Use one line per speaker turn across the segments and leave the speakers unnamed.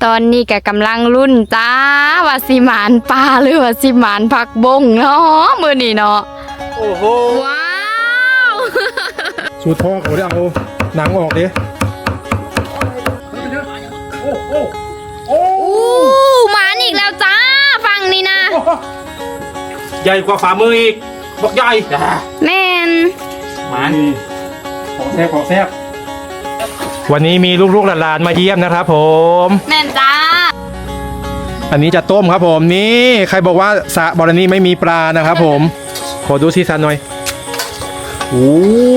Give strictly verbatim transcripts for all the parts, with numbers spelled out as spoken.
ตอนนี้ก็กำลังรุ่นจ้าว่าสิหมานปลาหรือว่าสิหมานผักบงเนาะมื้อนี้เนาะ
โอ้โห
ว้าว
สูตรพ่อเขาได้เอาหนังออกดิโอ้โหโอ้
หมานอีกแล้วจ้าฟังนี่นะ
ใหญ่กว่าฝ่ามืออีกบอกใหญ่
แม่น
หมานของแซ่บของแซ่บวันนี้มีลูกๆหลานๆมาเยี่ยมนะครับผม
แม่นจ้า
อันนี้จะต้มครับผมนี่ใครบอกว่าสระบรณีไม่มีปลานะครับผมขอดูซีซันหน่อยโอ้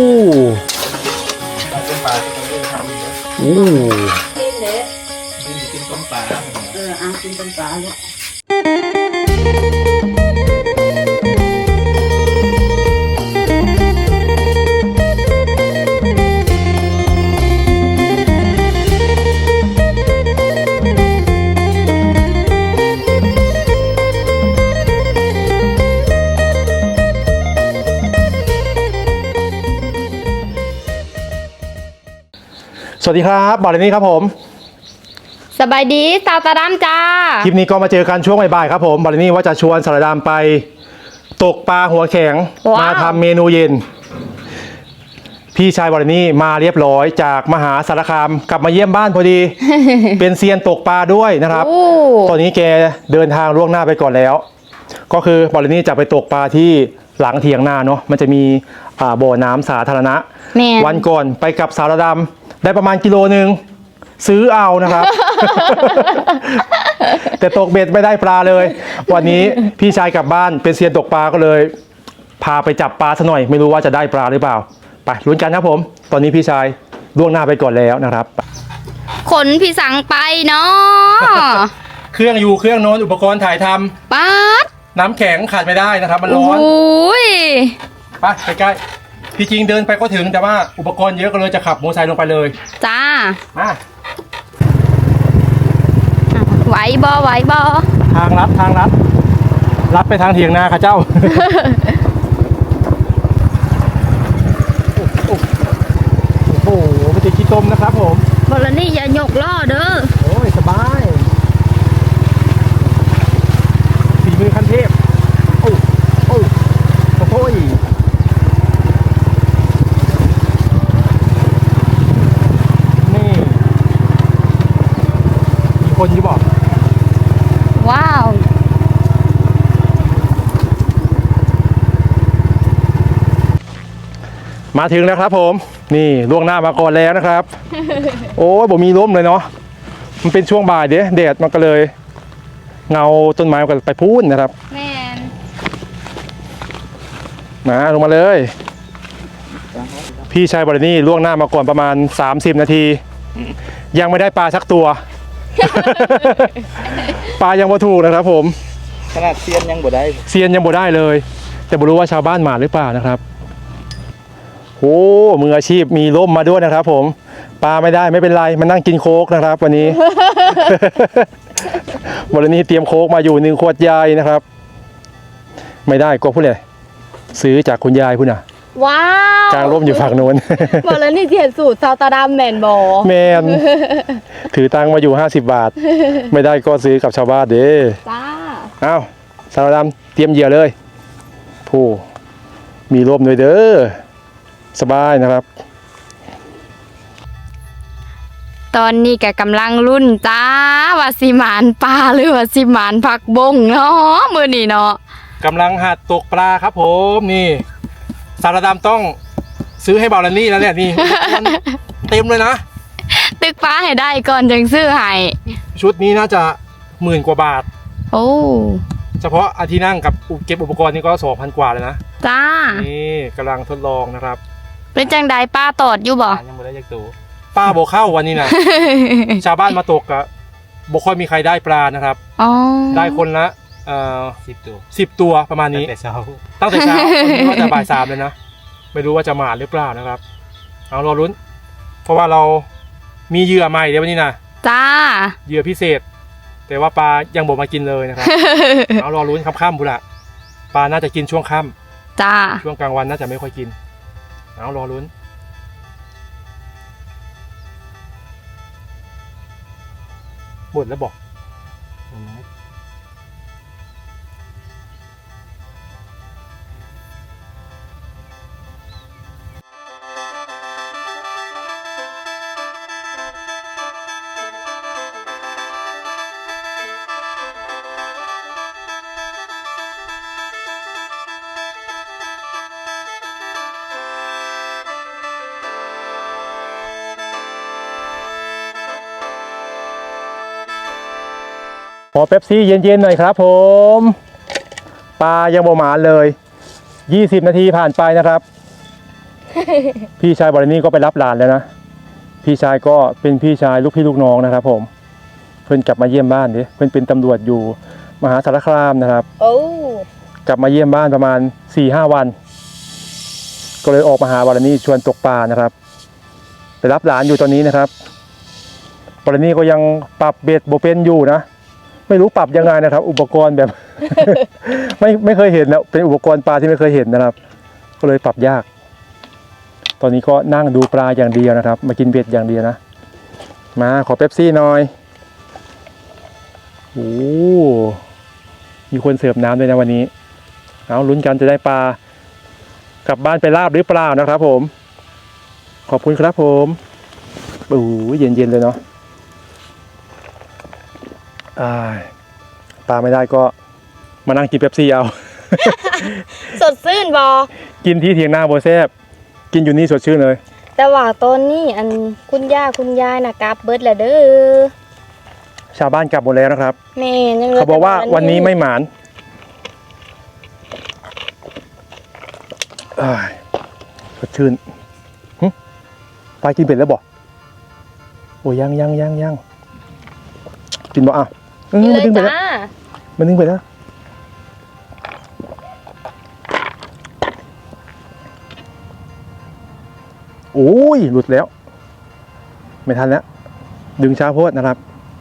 โอ้
กินเลยกินต้มปลาเอออ่ะกินต้มปลาลูก
สวัสดีครับบอลนี่ครับผม
สบายดีสาวตาดำจ้า
คลิปนี้ก็มาเจอกันช่วงบ่ายๆครับผมบอลนี่ว่าจะชวนสาวดำไปตกปลาหัวแข็งมาทำเมนูเย็นพี่ชายบอลนี่มาเรียบร้อยจากมหาสารคามกลับมาเยี่ยมบ้านพอดี เป็นเซียนตกปลาด้วยนะครับตอนนี้แกเดินทางล่วงหน้าไปก่อนแล้วก็คือบอลนี่จะไปตกปลาที่หลังเถียงนาเนาะมันจะมีบ่อน้ำสาธารณะวันก่อนไปกับสาวดำได้ประมาณกิโลนึงซื้อเอานะครับ แต่ตกเบ็ดไม่ได้ปลาเลยวันนี้พี่ชายกลับบ้านเป็นเซียนตกปลาก็เลยพาไปจับปลาซะหน่อยไม่รู้ว่าจะได้ปลาหรือเปล่าไปลุ้นกันครับผมตอนนี้พี่ชายล่วงหน้าไปก่อนแล้วนะครับ
ขนพี่สังไปเนาะ
เครื่องอยู่เครื่องโน้นอุปกรณ์ถ่ายทำ
ป๊าด
น้ำแข็งขาดไม่ได้นะครับมันร้อนไปไปใกล้พี่จริงเดินไปก็ถึงแต่ว่าอุปกรณ์เยอะก็เลยจะขับมอเตอร์ไซค์ลงไปเลย
จ้า
มา
ไหวบอไหวบอ
ทางลัดทางลัดลัดไปทางเถียงนาค่ะเจ้า โอ้โหไม่ใช่ขี้ต้มนะครับผม
บอลนี่อย่าหยกล่อเด้อ
โอ้ยสบายฝีมือขั้นเทพโอ้โอ้โอ้ยคนที่บอก
ว้าว
มาถึงแล้วครับผมนี่ล่วงหน้ามาก่อนแล้วนะครับ โอ้ยผมมีล้มเลยเนาะมันเป็นช่วงบ่ายเด้แดดมันก็เลยเงาต้นไม้ก็ไปพูนนะครับ
แม่น
มาลงมาเลยพี่ชายบอลนี่ล่วงหน้ามาก่อนประมาณสามสิบนาทียังไม่ได้ปลาสักตัวปลายังบ่ถูกนะครับผม
ขนาดเซียนยังบ่ได้
เซียนยังบ่ได้เลยแต่ไม่รู้ว่าชาวบ้านมาหรือเปล่านะครับโอ้มืออาชีพมีร่มมาด้วยนะครับผมปลาไม่ได้ไม่เป็นไรมันนั่งกินโค้กนะครับวันนี้ วันนี้เตรียมโค้กมาอยู่หนึ่งขวดใหญ่นะครับไม่ได้ก็พูดเลยซื้อจากคุณยายพูดน่ะ
ว้าว
กลางร่มอยู่ฝั่งโน้น
บอกแล้วนี่เห็นสูตรซาวตาดามแมนบอ
แมนถือตังมาอยู่ห้าสิบบาทไม่ได้ก็ซื้อกับชาวบ้านเด้
จ้า
อ้าวซาวดามเตรียมเหยื่อเลยผู้มีร่มด้วยเด้อสบายนะครับ
ตอนนี้ก็กำลังรุ่นจ้าว่าสิหมานปลาหรือว่าสิหมานผักบงเนาะมื้อนี้เนาะ
กำลังหัดตกปลาครับผมนี่สารดำต้องซื้อให้บาลานี่แล้วเนี่ยนี่เต็มเลยนะ
ตึกปลาให้ได้ก่อนจึงซื้อให้
ชุดนี้น่าจะหมื่นกว่าบาท
โอ้
เฉพาะอาที่นั่งกับเก็บอุปกรณ์นี่ก็สองพันกว่าเลยนะ
จ้า
นี่กำลังทดลองนะครับ
เป็นจังใดป้าตอดอยู่บ่
ยังไม่ได้ยักตัวป้าโบเข้าวันนี้นะ ชาวบ้านมาตกอะโบค่อยมีใครได้ปลานะครับได้คนละเอ่อสิบตัวสิบตัวประมาณนี้ตั้งแต่เช้าตั้งแต่เช้าตอนนี้ก็จะบ่ายสามเลยนะไม่รู้ว่าจะมาหรือเปล่านะครับเอารอลุ้นเพราะว่าเรามีเหยื่อใหม่เดี๋ยววันนี้นะ
จ้า
เหยื่อพิเศษแต่ว่าปลายังบอกมากินเลยนะครับเอารอลุ้นค่ำๆบุระปลาน่าจะกินช่วงค่
ำจ้า
ช่วงกลางวันน่าจะไม่ค่อยกินเอารอลุ้น นหมดแล้วบอกขอเป๊ปซี่เย็นๆหน่อยครับผมปลายังบ่หมานเลยยี่สิบนาทีผ่านไปนะครับ พี่ชายบรินี่ก็ไปรับหลานแล้วนะพี่ชายก็เป็นพี่ชายลูกพี่ลูกน้องนะครับผมเพื่อนกลับมาเยี่ยมบ้านดิเพื่อนเป็นตำรวจอยู่มหาสารคามนะครับ
โอ้
กลับมาเยี่ยมบ้านประมาณ สี่ห้า วัน ก็เลยออกมาหาบรินี่ชวนตกปลานะครับไปรับหลานอยู่ตอนนี้นะครับบรินี่ก็ยังปรับเบ็ดโบเป็นอยู่นะไม่รู้ปรับยังไงนะครับ อุปกรณ์แบบ ไม่ไม่เคยเห็นนะเป็นอุปกรณ์ปลาที่ไม่เคยเห็นนะครับ ก็เลยปรับยาก ตอนนี้ก็นั่งดูปลาอย่างเดียวนะครับ มากินเบ็ดอย่างเดียวนะมาขอเป๊ปซี่หน่อยโอ้มีคนเสิร์ฟน้ำด้วยนะวันนี้เอาลุ้นกันจะได้ปลากลับบ้านไปลาบหรือเปล่านะครับผมขอบคุณครับผมโอ้เย็นๆเลยเนาะปลาไม่ได้ก็มานั่งกินเป๊ปซี่เอา
สดชื่นบอ
กินที่เถียงนาโบแซบกินอยู่นี่สดชื่นเลย
แต่ว่าตอนนี้อันคุณย่าคุณยายนะกลับเบิดแล้วเด้อ
ชาวบ้านกลับหมดแล้วนะครับ
แม่ยังหลื
เขาบอกว่าวันนี้ไม่หมานอ้ายสดชื่นหึปลากินเป็ดแล้วบอกโอ้ยังยังยังยังกินบ่อ่ะเออ
กิน
มัน
เล
ดึ
ย
งไป
จ้า
แล้วมันดึงไปแล้วโอ้ยหลุดแล้ว ไม่ทันแล้วดึงช้าโพดนะครับ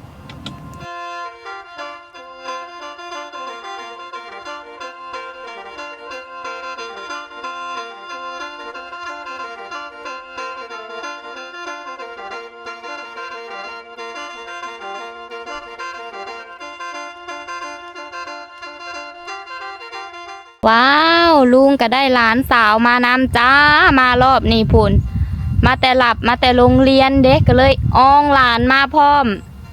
ว้าวลุงก็ได้หลานสาวมานำจ้ามารอบนี้พุ่นมาแต่หลับมาแต่โรงเรียนเด็กก็เลยอ้องหลานมาพร้อม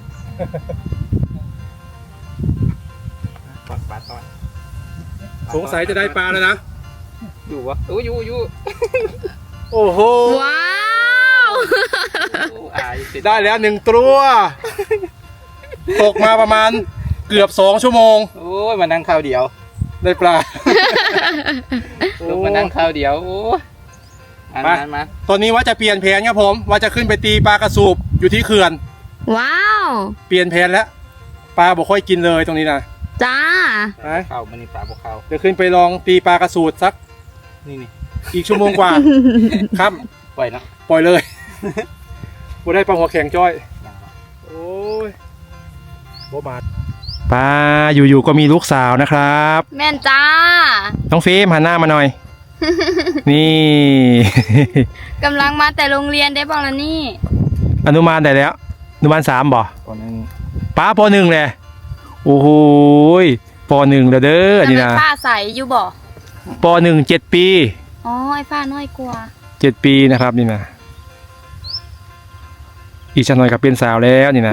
ปลาปลาตอน
สงสัยจะได้ปลาแล้วนะ
อยู่วะโอ้ยอยู่อยู่
โอ้โห
ว้าว
โอ้อายติด
ได้แล้วหนึ่งตัว ตกมาประมาณเกือบสองชั่วโมง
โอ้ยมานั่งข้าวเดียว
ได้ปลา
ลงมานั่งข้าวเดียวโอ้ยมา
มา
มามา
ตอนนี้ว่าจะเปลี่ยนแผนครับผม ว่าจะขึ้นไปตีปลากระสูบอยู่ที่เขื่อน
ว้าว
เปลี่ยนแผนแล้ว ปลาบอกค่อยกินเลยตรงนี้นะ
จ้า
ไป
ข้าวมันนี่ปลาบกข้าว
เดี๋ยวขึ้นไปลองตีปลากระสูดสัก
นี่นี่
อีกชั่วโมงกว่า ครับ
ปล่อยเนาะ
ปล่อยเลย บ่ได้ปลาหัวแข็งจ้อย
ยังวะ
โอ้ยโบบาดปลาอยู่ๆก็มีลูกสาวนะครับ
แม่นจ้า
น้องเฟรมหันหน้ามาหน่อย นี่
กำลังมาแต่โรงเรียนได้บอกแล้วนี่
อนุบาลได้แล้ว อนุบาลสามบ่
ตอนนั้น
ป้าปหนึ่งเลยโอ้โหยปหนึ่งเด้อเด้อนี่นะ
ทำไมป้าใสอยู่บ่
ปหนึ่งเจ็ดปี
อ๋อไอ้ป้าน้อยกว่า
เจ็ดปีนะครับนี่นะอีกชันหน่อยกับเป็นสาวแล้วนี่นะ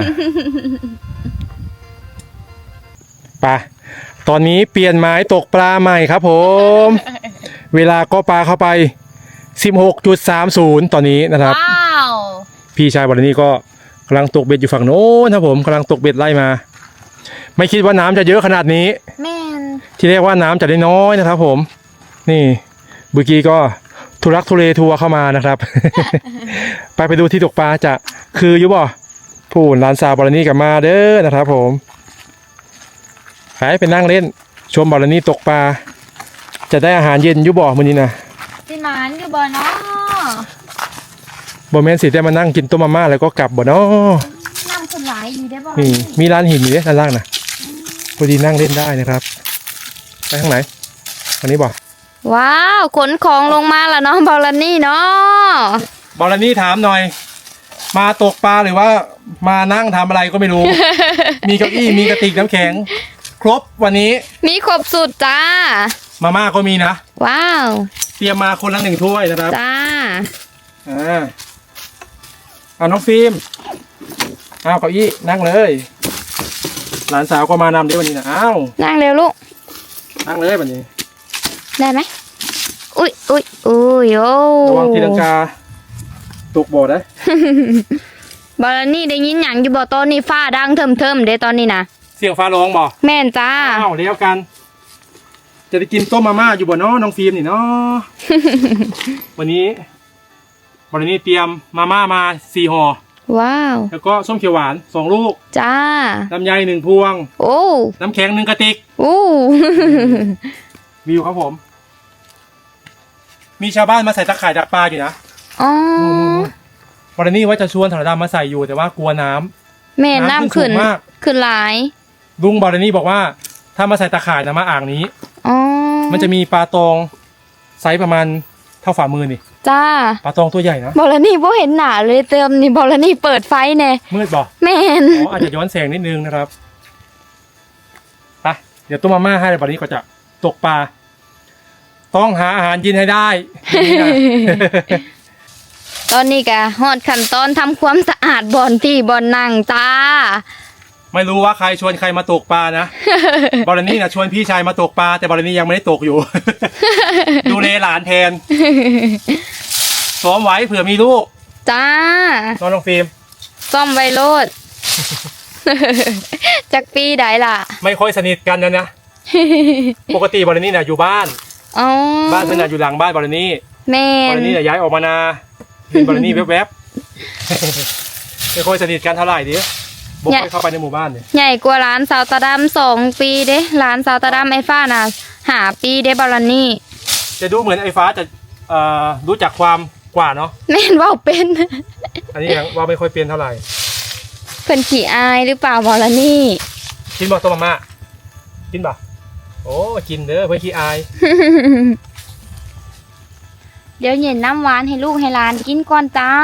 ไปตอนนี้เปลี่ยนไม้ตกปลาใหม่ครับผม เวลาก็ปลาเข้าไป สิบหกจุดสามศูนย์ ตอนนี้นะครับ
ว้าว
พี่ชายบอลนี่ก็กำลังตกเบ็ดอยู่ฝั่งโน้นครับผมกำลังตกเบ็ดไล่มา ไม่คิดว่าน้ำจะเยอะขนาดนี้
แม่น
ที่เรียกว่าน้ำจะได้น้อยนะครับผม นี่เมื่อกี้ก็ทุรักทุเลทัวร์เข้ามานะครับ ไปไปดูที่ตกปลาจะคืออยู่บ่ผู้หลานสาวบอลนี่กลับมาเด้อนะครับผมไปไปนั่งเล่นชมบอลนี่ตกปลาจะได้อาหารเย็นอยู่บ่มื้อนี้นะ
สิหมานอยู่บ่เนาะ
บ่แม่นสิได้มานั่งกินต้มมาม่าแล้วก็กลับบ่เนาะ
น้ำคนหลายอยู่ได้บ่
นี่มีร้านหินอยู่เนี่ยด้านล่างนะพอดีนั่งเล่นได้นะครับไปทางไหนอันนี้บ่
ว้าวขนของลงมาแล้วเนาะบอลนี่เนาะ
บอลนี่ถามหน่อยมาตกปลาหรือว่ามานั่งทำอะไรก็ไม่รู้ มีเก้าอี้มีกระติกน้ำแข็ง ครบวันนี้
มีครบสุดจ้า
มาม่าก็มีนะ
ว้าว
เตรียมมาคนละหนึ่งถ้วยนะครับ
จ้า
อ่าเอาน้องฟิล์มเอาเก้าอี้นั่งเลยหลานสาวก็มานำด้วยวันนี้นะอ้าว
นั่งเร็วลูก
นั่งเลยวันนี้
ได้ไหมอุ้ยอุ้ยอุ้ยโอ้
ระวังตีลังกาตกบ่อได้
บอลนี่ได้ยินอย่างอยู่บ่ตอนนี้ฟ้าดังเทิมเทิมๆเด้ตอนนี้นะ
เสียงฟ้าร้องบ่
แม่นจ้า
อ้าวเลี้ยวกัน จะได้กินต้มมาม่าอยู่บ่เนาะน้องฟิล์มนี่เนาะ วันนี้วันนี้เตรียมมาม่ามาสี่ห่อ
ว้าว
แล้วก็ส้มเขียวหวานสองลูก
จ้า
ลำไยหนึ่งพวง
โอ้
น้ำแข็งหนึ่งกระติก
โอ้
วิวครับผม มีชาวบ้านมาใส่ตะข่ายดักปลาอยู่นะ
อ๋อ
วันนี้ว่าจะชวนถนดำมาใส่อยู่แต่ว่ากลัวน้ำ
แม่น้ำขึ้น
น้ำขึ้นสูงมาก
ขึ้นหลาย
ลุงบอลนี่บอกว่า ถ้ามาใส่ตะข่ายนะมาอ่างนี้
อ๋อ
มันจะมีปลาตองไซส์ประมาณเท่าฝ่ามือนี่
จ้า
ปลาตองตัวใหญ่นะ
บอลนี่บ่เห็นหนาเลยเติมนี่บอลนี่เปิดไฟแน่
มืดบ่
แม่น
อ๋ออาจจะย้อนแสงนิดนึงนะครับไปเดี๋ยวต้มมาม่าให้บอลนี้ก็จะตกปลาต้องหาอาหารกินให้ได้นี่นะ
ตอนนี้ก็ฮอดขั้นตอนทำความสะอาดบ่อนที่บ่อนนั่งจ้า
ไม่รู้ว่าใครชวนใครมาตกปลานะ บอลนี่นะชวนพี่ชายมาตกปลาแต่บอลนี่ยังไม่ได้ตกอยู่ ดูแลหลานแทนซ้อมไว้เผื่อมีลูก
จ้า
น้องน้องฟิล์ม
ซ่อมไวโรด จากปีใดล่ะ
ไม่ค่อยสนิทกันนะนะ ปกติบอลนี่นะอยู่บ้าน
อ๋อ
บ้านเพื่อนนะอยู่หลังบ้านบอลนี่
แม่
บอล
น
นี่นะย้ายออกมานาเป็นบอลนี่แวบๆ ไม่ค่อยสนิทกันเท่าไหร่ดิบอกให้เข้าไปในหมู่บ้านเนี่ย
ใหญ่กว่าร้านสาวตาดำสองปีเด้ร้านสาวตาดำไอ้ฟ้าน่ะหาปีเด้บอลนี่
จะดูเหมือนไอ้ฟ้าจะเอ่อรู้จักความกว่าเนาะ
แม่นเว่าเป็น
อันนี้ยังว่าไม่ค่อยเปลี่ยนเท่าไหร่
เพิ่นขี้อายหรือเปล่าบอลนี่
กินบ่ต้มมาม่ากินบ่โอ้กินเด้อเพื่อนขี้อาย
เดี๋ยวเย็นน้ำหวานให้ลูกให้หลานกินก่อนจ้า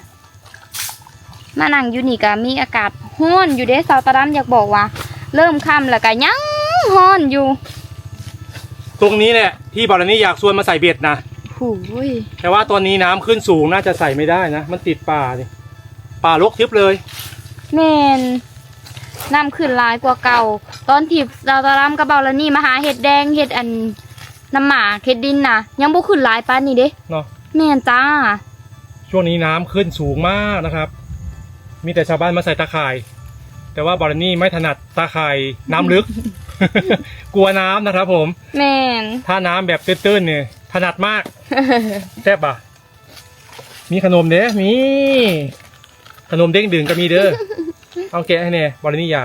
มานั่งอยู่นี่ก็มีอากาศร้อนอยู่เด้สาวตาดำอยากบอกว่า เริ่มค่ำแล้วก็ยังร้อนอยู่
ตรงนี้เนี่ยที่บอลนี่อยากชวนมาใส่เบ็ดนะ
หูย
แต่ว่าตอนนี้น้ำขึ้นสูงน่าจะใส่ไม่ได้นะ มันติดป่านี่ป่ารกทึบเลย
แม่นน้ำขึ้นหลายกว่าเก่า ตอนที่สาวตาดำกับเบาแล้วนี่มาหาเห็ดแดงเห็ดอันน้ำหมาเห็ดดินน่ะ ยังบ่ขึ้นหลายปานนี่เด้
เนาะ
แม่นจ้า
ช่วงนี้น้ำขึ้นสูงมากนะครับ มีแต่ชาวบ้านมาใส่ตาข่าย แต่ว่าบอลนี่ไม่ถนัดตาข่ายน้ำลึก กลัวน้ำนะครับผม
แม่น
ถ้าน้ำแบบตื้นๆเนี่ยถนัดมาก แซ่บป่ะ มีขนมเด้อมีขนมเด้งดึงก็มีเด้อ เอาแกะให้แน่บอลนี่อยาก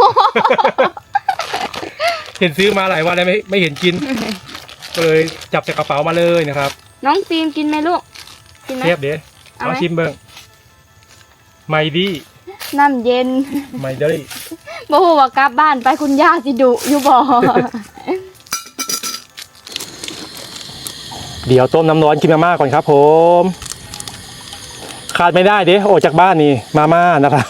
เห็นซื้อมาหลายวันแล้วไม่ไม่เห็นกิน ก็เลยจับจากกระเป๋ามาเลยนะครับ
น้องฟิล์มกินไหมลูก กินไหม
เทียบเด้อ
เอาไหม
เอาชิมเบิ้งไมดี้
น้ำเย็น
ไมดี้
บ่ฮู้ว่ากลับบ้านไปคุณย่าสิดุอยู่บ่
เดี๋ยวต้มน้ำร้อนกินมาม่าก่อนครับผมขาดไม่ได้เด้ออกจากบ้านนี่มาม่านะครับ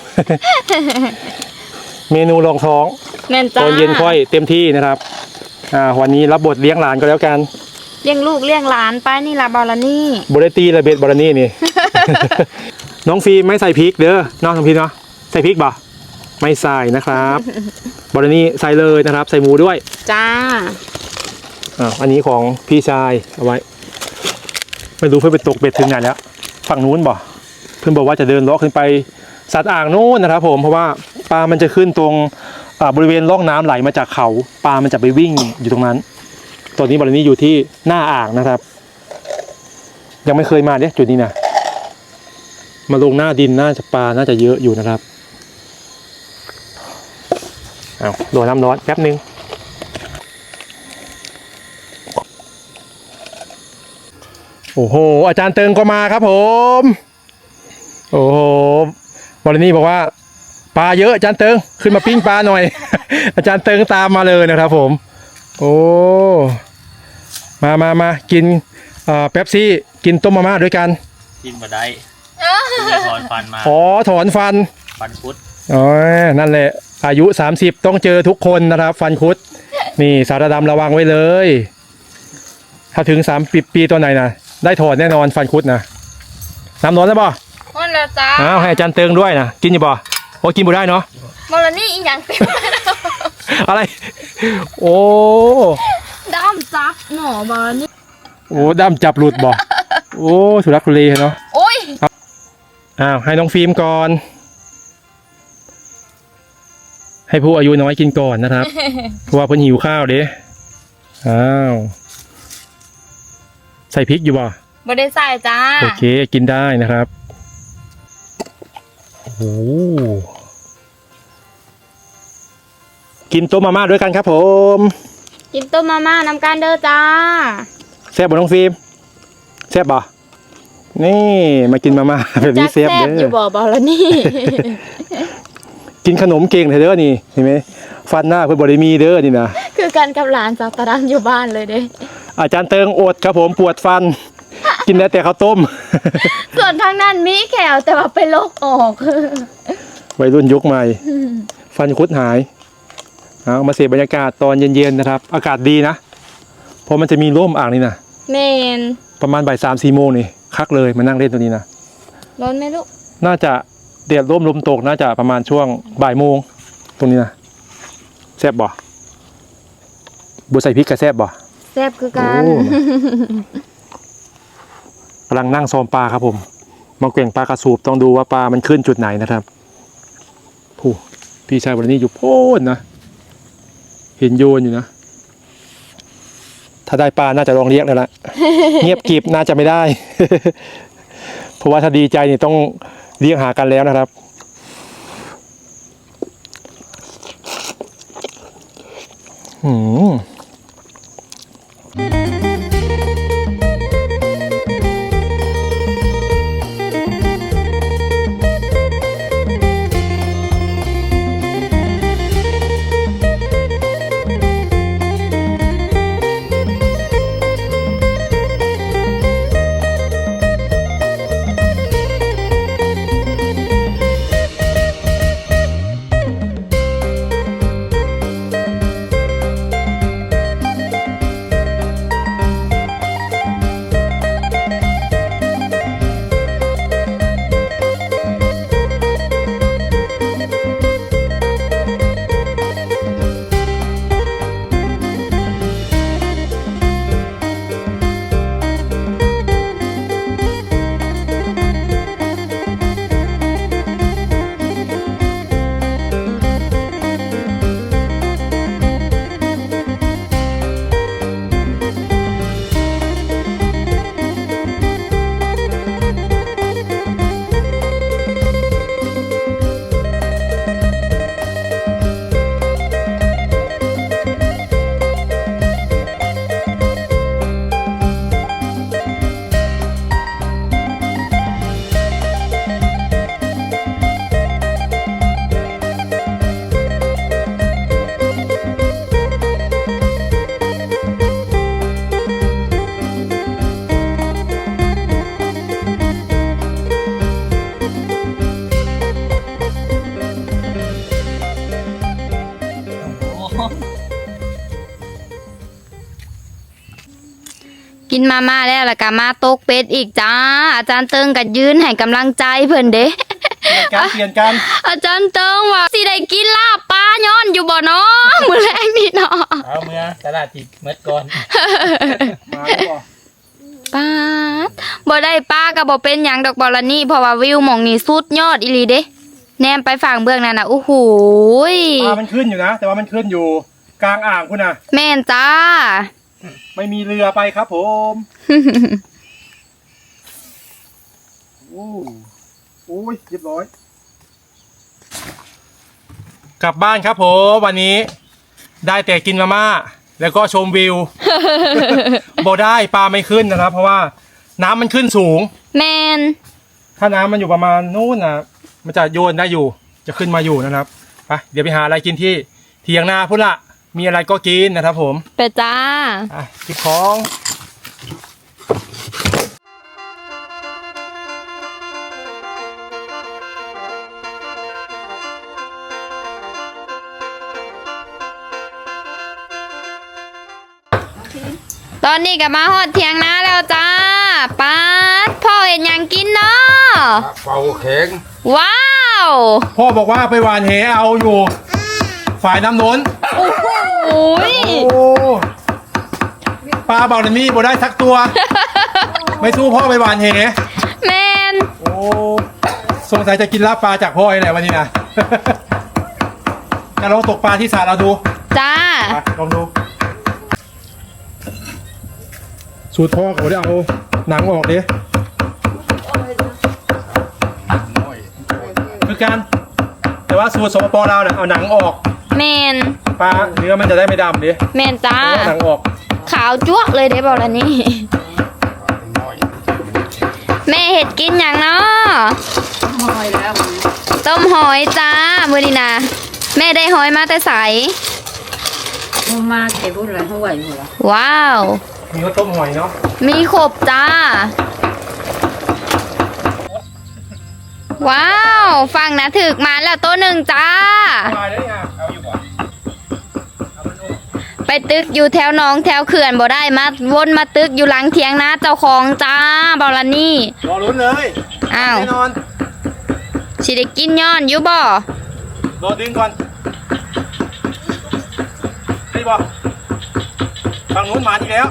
เมนูรองท้อง
แม่นจ้า
ตอนเย็นค่อยเต็มที่นะครับอ่าวันนี้รับบทเลี้ยงหลานก็แล้วกัน
เลี้ยงลูกเลี้ยงหลานไปนี่ล่ะบอลนี่
บริตีระเบิดบอลนี่ นี่ น้องฟิล์มไม่ใส่พริกเด้อน้องน้องฟิล์มเนาะใส่พริกบ่ไม่ใส่นะครับบอลนี่ใส่เลยนะครับ ใส่หมูด้วย
จ้า
อ่าอันนี้ของพี่ชายเอาไว้ไม่รู้เพื่อนไปตกเบ็ดถึงไหนแล้วฝั่งนู้นบ่เพื่อนบอกว่าจะเดินเลาะขึ้นไปสัตว์อ่างนู้นนะครับผมเพราะว่าปลามันจะขึ้นตรงอ่าบริเวณร่องน้ำไหลมาจากเขาปลามันจะไปวิ่งอยู่ตรงนั้นตอนนี้บริเวณนี้อยู่ที่หน้าอ่างนะครับ ยังไม่เคยมาเนี่ยจุดนี้นะมาลงหน้าดินน่าจะปลาน่าจะเยอะอยู่นะครับเอาโดนน้ำร้อนแป๊บนึงโอ้โหอาจารย์เติงก็มาครับผมโอ้โหบอลนี่บอกว่าปลาเยอะอาจารย์เติงขึ้นมาปิ้งปลาหน่อย อาจารย์เติงตามมาเลยนะครับผมโอ้มามามากินเป๊ปซี่กินต้มมาม่าด้วยกัน
กินมาได้ถอนฟันมา
อ๋อถอนฟัน
ฟันพุด
อ๋อนั่นแหละอายุสามสิบต้องเจอทุกคนนะครับฟันคุดนี่สารดำระวังไว้เลยถ้าถึงสามปีปีตัวไหนนะได้ถอนแน่นอนฟันคุดนะน้ำร้อนแล้วบ่
มันละจ้า
อ้าวให้อาจารย์เติงด้วยนะกินอยู่บ่โอ้กินบ่ได้เนาะ
บอลนี่อีหยังเต็ม
อะไร โอ้
ดำซับหนอบอลนี่
โอ้ด้ามจับหลุดบ่โอ้สุรักทุเลเนาะ
โอ้ย
อ้าวให้น้องฟิล์มก่อน ให้ผู้อายุน้อยกินก่อนนะครับ เพราะว่าเพิ่นหิวข้าวเด้อ้าวใส่พริกอยู่บ่
บ่ได้ใส่จ้า
โอเคกินได้นะครับโอ้โหกินต้มมาม่าด้วยกันครับผม
กินต้มมาม่าน้ำกันเด้อจ้า
แซ่บบ่น้องฟิล์มแซ่บบ่นี่มากินมาม่าแบบนี้
จัก
แซ่บ
แซ่บ
เด้
อยู่
อ
บ่บอลนี่
กินขนมเก่งเถอะเด้อนี่เห็นไหมฟันหน้าเพิ่นบ่ได้มีเด้อนี่นะ
คือกันกับหลานสาวตาดำอยู่บ้านเลยเด้
อาจารย์เติงอดครับผมปวดฟัน กินได้แต่ข้าวต้ม
ส่วนทางนั้นมีแขวแต่ว่าไปลกออก
วัยรุ่นยุคใหม่ ฟันคุดหายเอามาเสพบรรยากาศตอนเย็นๆนะครับ อากาศดีนะเพราะมันจะมีร่มอ่างนี่นะ
เมน
ประมาณบ่ายสามสี่โมงนี่คักเลยมานั่งเล่นตัวนี้นะ
ร้อนไหมลูก
น่าจะเดือดร่มลมตกน่าจะประมาณช่วงบ่ายโมงตรงนี้นะแซ่บบ่บัวใส่พริกกับแซ่บบ่
แซ่บคือกัน
โอ้ กำลังนั่งซ้อมปลาครับผมมาเก่งปลากระสูบต้องดูว่าปลามันขึ้นจุดไหนนะครับผู้พี่ชายวันนี้อยู่โพ้นนะเห็นโยนอยู่นะถ้าได้ปลาน่าจะลองเรียกแล้วละ เงียบกริบน่าจะไม่ได้ เพราะว่าถ้าดีใจนี่ต้องเรียกหากันแล้วนะครับหืม
กินมาม่าแล้วแล้วก็มาตกเป็ดอีกจ้า อาจารย์เติงก็ยืนให้กำลังใจเพิ่นเด้
การเปลี่ยนกัน
อาจารย์เติงว่าสิได้กินลาบปลาย้อนอยู่บ่เนาะ มื้อแรกนี่เนาะ
เอาเมื่อตลาดจิตเมื่อก่อน
มาแล้วบ่
ปาดบ่ได้ปลาก็บ่เป็นหยังดอกบอลนี่เพราะว่าวิวหม่องนี้สุดยอดอีหลีเด้แนมไปฝั่งเบื้องนั้นน่ะโอ้โหย
ปลามันขึ้นอยู่นะ แต่ว่ามันขึ้นอยู่กลางอ่างคุณนะ
แม่นจ้า
ไม่มีเรือไปครับผม โอ้โอ้ยเรียบร้อย กลับบ้านครับผมวันนี้ได้แต่กินมาม่าแล้วก็ชมวิว บ่ได้ปลาไม่ขึ้นนะครับ เพราะว่าน้ำมันขึ้นสูง
แม่น
ถ้าน้ำมันอยู่ประมาณนู้นนะมันจะโยนได้อยู่ จะขึ้นมาอยู่นะครับไปเดี๋ยวไปหาอะไรกินที่เทียงนาพุ่นละมีอะไรก็กินนะครับผม
ไปจ้า
อ่ะกินของ
ตอนนี้ก็มาฮอดเถียงนาแล้วจ้าป้าดพ่อเห็นหยังกินเนาะ
เป่าแข็ง
ว้าว
พ่อบอกว่าไปหวานเหเอาอยู่ ฝ่ายน้ำโน้น
โอ้โหย
โอ้ปลาบาลานี่บ่ได้สักตัว ไม่สู้พ่อไปหวานเห
แมน
โอ้สงสัยจะกินลาบปลาจากพ่อไอ้แหละวันนี้นะ จะลองตกปลาที่สระเราดู
จ้า
ไปลองดู สูตรพ่อเขาได้เอาหนังออกดิคือการแต่ว่าสูตรสปปเราเนี่ยเอาหนังออก
แมน
ปลาเนื้อมันจะได้ไม่ดำดิ
แมนจ้า
เอาหนังออก
ขาวจั๊วะเลยเด้บอกแล้วนี่ แม่เห็ดกินอย่างเนาะ
หอยแล้ว
ต้มหอยจ้ามือดีนะแม่ได้หอยมาแต่ใส
มันมาเก็บบุญอะไรเขาไหวหัว
ว้าว
มีข้าวต้มหอยเนาะ
มีขบจ้า ว้าวฟังนะถึกมาแล้วตัวหนึ่งจ้า
มาได้ยังเอาอยู่บ่
ไปตึกอยู่แถวหนองแถวเขื่อนบ่ได้มาวนมาตึกอยู่หลังเถียงนาเจ้าของจ้าบอลานี่
รอลุ้นเลย
อ้าว
แน่นอน
สิได้กินย้อนอยู่บ่
รอดึงก่อนนี่บ่ฝั่งนู้นมาอีกแล้ว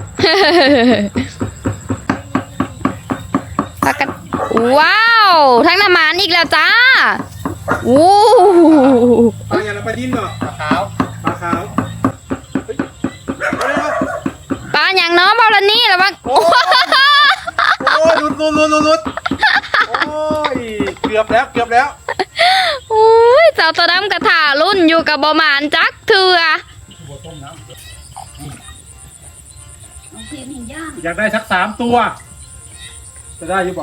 ปากกันว้าวทั้งน้ำมันอีกแล้วจ้าอู้
ปลาอย่างละปลาดิ้นเนาะปลาขาวปลาขาวเฮ้ยเอาเลยเอา
ปลาอย่างน้องบอลานี่แล้วว่า
โอ้ยหลุดหลุดหลุดหลุดหลุดโอ้ยเกือบแล้วเกือบแล้ว
โอ้ยเจ้าตัวดำกระถารุ่นอยู่กับบอมานจักเถื่อ
น้องเพียงหินย่าง
อยากได้สักสามตัว จะได้อยุบบอก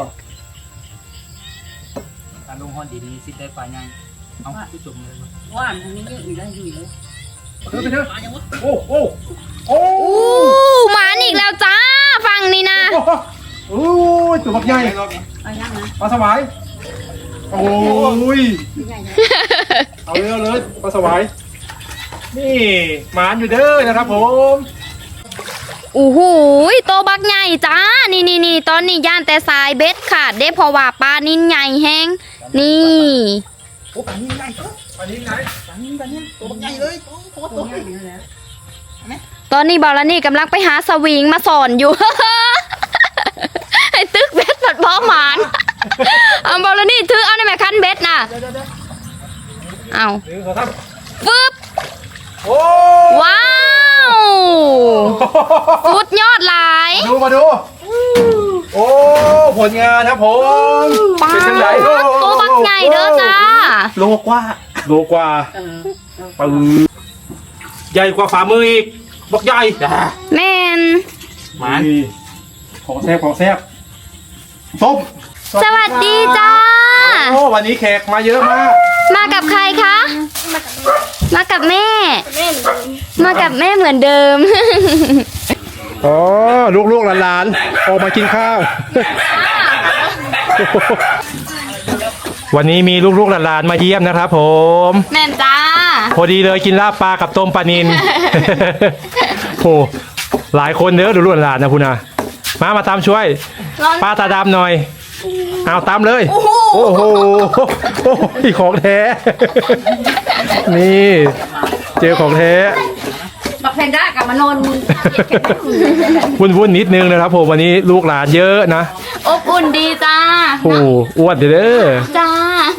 การลงห้อนดีๆสิได้ปลายังเอาผู้ชมเลย
ว่านทางนี้เยอะอยู่แล้วอยู่เลย
เธอไปเถอะโอ้โอ้โอ้
อู้หมาอีกแล้วจ้าฟังนี่นะ
โอ้ยตัวบักใหญ่
เอาย่างนะ
ปลาสวายโอ้ย
ใหญ่
เอาเลยเอาเลยปลาสวายนี่หมานอยู่เด้อนะครับผม
โอ้โหโตบักใหญ่จ้านี่นี่นี่ตอนนี้ย่านแต่สายเบ็ดขาดได้เพราะว่าปลานิ่นใหญ่แห้งนี่
โอ้ปลานิ่มใหญ่ปลานิ่มไหนปลานิ่มปลานิ่มตัวบักใหญ่เลย
ๆตัวใหญ่อยู่แล้ว
ตอนนี้บอลนี่กำลังไปหาสวิงมาสอนอยู่ ให้ตึกเบ็ดปัดพอหมานเอาบอลนี่ถือเอาในแม่คันเบ็ดน่ะเอา
หนึ่งสองสาม
ฟึบ
โอ้
ว้าวสุดยอดหลาย
ดูมาดู โอ้ ผลงานครับผม
ปลา
เป็นจังไง
ตัวบักใหญ่เด้อจ้า
โลกว่า โลกว่า
เออ
ปึ้งใหญ่กว่าฝ่ามืออีกบักใหญ่
แม่น
หมาของแซ่บของแซ่บต้ม
สวัสดีจ้า
โอ้วันนี้แขกมาเยอะมาก
มากับใครคะ มากับแม่ มากับแม่เหมือนเดิม
อ๋อ ลูกๆหลานๆออกมากินข้าว วันนี้มีลูกๆหลานๆมาเยี่ยมนะครับผม
แม่นจ้า
พอดีเลยกินลาบปลากับต้มปลานิน โอ้หลายคนเด้อดูลูกหลานนะคุณนะมามาตามช่วย ป้าตาดำหน่อย เอาตามเลย โอ้โหโอ้โหของแท้ นี่ เจอของแท้
บักแพนด้ากับมานอน
วุ่นวุ่นๆนิดนึงนะครับผมวันนี้ลูกหลานเยอะนะ
อบอุ่นดีจ้า
โอ้อ้วนเด้อ
จ้า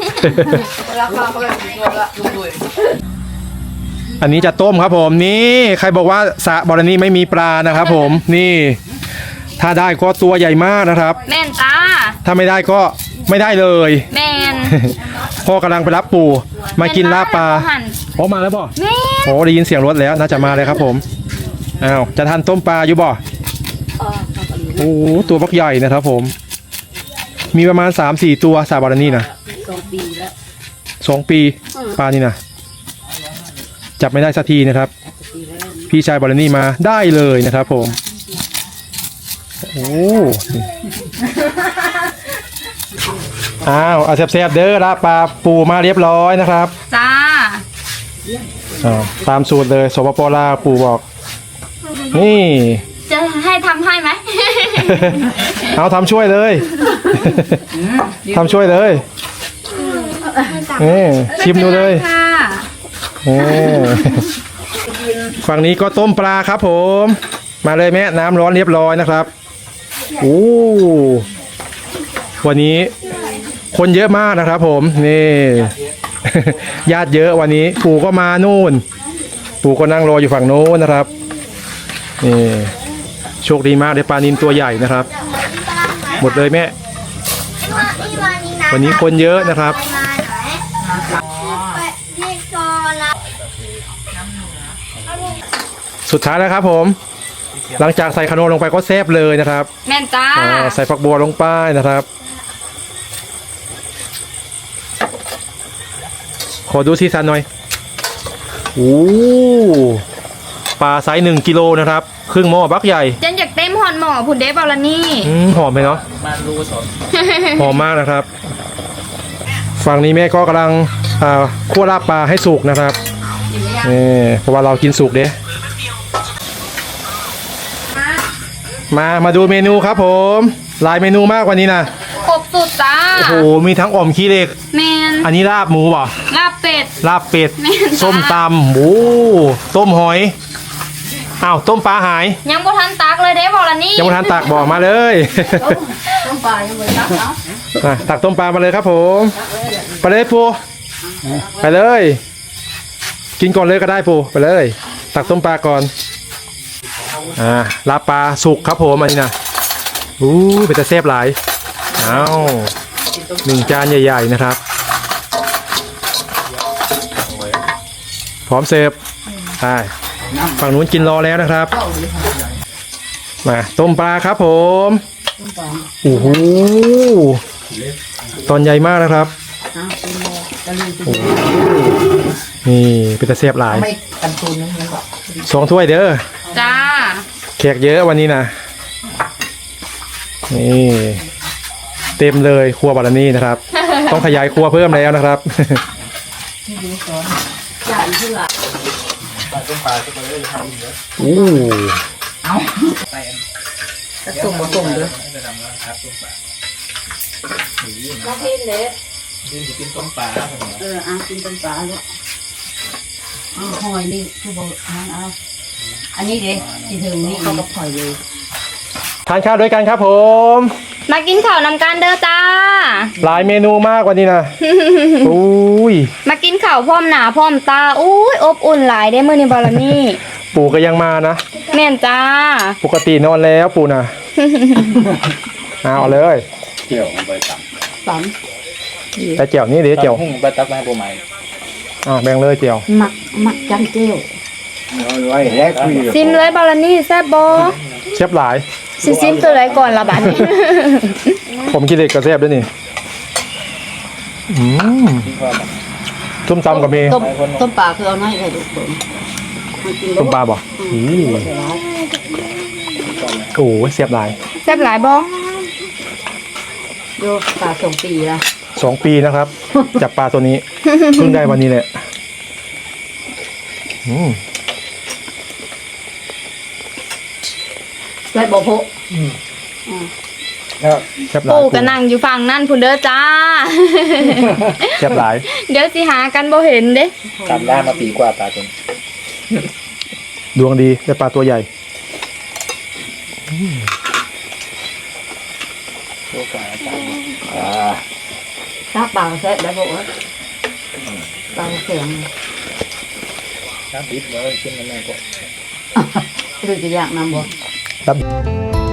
อันนี้จะต้มครับผมนี่ใครบอกว่าสระบอรนี่ไม่มีปลานะครับผมนี่ ถ้าได้ก็ตัวใหญ่มากนะครับ
แม่นจ้า
ถ้าไม่ได้ก็ไม่ได้เลย
แม่น
พ่อกำลังไปรับปู่มากินลาบปลา
แม่นหั่น
โอ้มาแล้วบ่
แม่น
โอ้ได้ยินเสียงรถแล้วน่าจะมาเลยครับผมอ้าวจะทานต้มปลาอยู่บ่โอ้ตัวบักใหญ่นะครับผม มีประมาณ สามสี่ ตัวสาบารานี่นะ
สองปีแล้ว
สองปีปลานี่นะจับไม่ได้สักทีนะครับ
ปีแล้ว
พี่ชายบารานี่มาได้เลยนะครับผมโอ้อ้าวเอาแซ่บๆเด้อละปลาปูมาเรียบร้อยนะครับ
จ้า
อ้าวตามสูตรเลยสปปลาวปูบอกนี่
จะให้ทำให้ไหม
เอาทำช่วยเลยทำช่วยเลยนี่ชิมดูเลย
ไม่ป็นไรค่ะ
นี่ฝั่งนี้ก็ต้มปลาครับผม มาเลยแม่น้ำร้อนเรียบร้อยนะครับโอ้วันนี้คนเยอะมากนะครับผมนี่ ญาติเยอะวันนี้ปู่ก็มานู่น ปู่ก็นั่งรออยู่ฝั่งโน้นนะครับนี่โชคดีมากได้ปลานิลตัวใหญ่นะครับ หมดเลยแม่วันนี้คนเยอะนะครับ สุดท้ายแล้วครับผม หลังจากใส่ขนมลงไปก็แซ่บเลยนะครับ
แม่นจ้า
อ่าใส่ฝักบัวลงไปนะครับ ขอดูสีสันหน่อยโอ้ปลาไซส์หนึ่งกิโลนะครับ ครึ่งหม้อบักใหญ่
เจนอยากเต็มหอนหมอผุนเดบอลนี่
อืมหอมไหมเนาะ
มารูสด
หอมมากนะครับ ฝั่งนี้แม่ก็กำลังอ่าคั่วลาบปลาให้สุกนะครับนี่เพราะว่าเรากินสุกเด้มา มาดูเมนูครับผม หลายเมนูมากกว่านี้นะ
ครบสุดจ้า
โอ้โห มีทั้งอ่อมขี้เหล็ก
แมน
อันนี้ลาบหมูป่ะ
ลาบเป็ด
ลาบเป็ด
แม่นจ้า
ส้มตำหมูต้มหอย อ้าว ต้มปลาหาย
ยังบ่ทันตักเลยเด้บอลนี่
ยังไม่ทันตักบอกมาเลย
ต้มปลายังไม่ตักเอา
อ่ะตักต้มปลามาเลยครับผม ไปเลยปูไปเลย กินก่อนเลยก็ได้ปูไปเลย ตักต้มปลาก่อน อ่าลาบปลาสุกครับผมอันนี้นะอู้เป็นตะเซฟหลายเอาหนึ่งจานใหญ่ๆนะครับ พร้อมเสิร์ฟใช่ฝั่งนู้นกินรอแล้วนะครับ มาต้มปลาครับผมโอ้โหตอนใหญ่มากนะครับ
เอาเป็นโมกะลี
โอ้โหนี่เป็นตะเซฟหลาย
ไม่กันทุนนึงมันบอก
สองถ้วยเด้อ
จ้า
แขกเยอะวันนี้นะนี่เต็มเลยครัวบารนี่นะครับ ต้องขยายครัวเพิ่มแล้วนะครับ
ใหญ่ขึ้นละ
อู้
เอาจะส่งมาส่งเด้อมาพิมเด้อ
ดินจะกินต้มปลา
เอออ่ะกินต้มปลาลูกเอาหอยนี่คือบอกเอาเอาอันนี้เด้ที่ถึงนี่เขาก็หอยเลย
ทานข้าวด้วยกันครับผม
มากินข้าวนำกันเด้อจ้า
หลายเมนูมากวันนี้นะอุ้ย
มากินข้าวพร้อมหนาพร้อมตาอุ้ยอบอุ่นหลายได้มื้อนี้บอลนี่
ปู่ก็ยังมานะ
แม่นจ้า
ปกตินอนแล้วปู่นะเอาเลย
เกี่ยวไปตับ
สาม
แต่เจียวนี่เดี๋ยวเจียว
หุ้งไปตักมาปูใหม่
อ่าแบ่งเลยเจียว
หมักหมักจังเจียว
ไว้แรกคุย
ซิมเลยบอลนี่แซ่บบอ
เชฟหลาย
ซิซิมตัวไหนก่อนละบัดนี้
ผมกินเด็กกระเซฟด้วยนี่อืมต้มตำกับเม
ต้มต้มปลาคือเอาน้อยเลยลูกเบิ่งมากิน
ต้มปลาบ่อืมโอ้โหเสียบหลาย
แซ่บหลายบอ
โยปลาสองปีละ
สองปีนะครับ จับปลาตัวนี้ เพิ่งได้วันนี้แหละอืม
ใส่บ่อโพะ
เสียบหลาย
ปู่ก็นั่งอยู่ฝั่งนั่นพุ่นเด้อจ้า
เสียบหลาย
เดี๋ยวสิหากันบ่เห็นเด้
ตามล่ามาปีกว่าปลาจน
ดวงดีได้ปลาตัวใหญ่
โชคปลาจานอ่า
ถ้าปลาแซ่บได้บ่เอ้ยปลาแข็ง
น้ำดิบเลยขึ้นมาแม่ก็
หรือจะอยากนำบ่
ครับ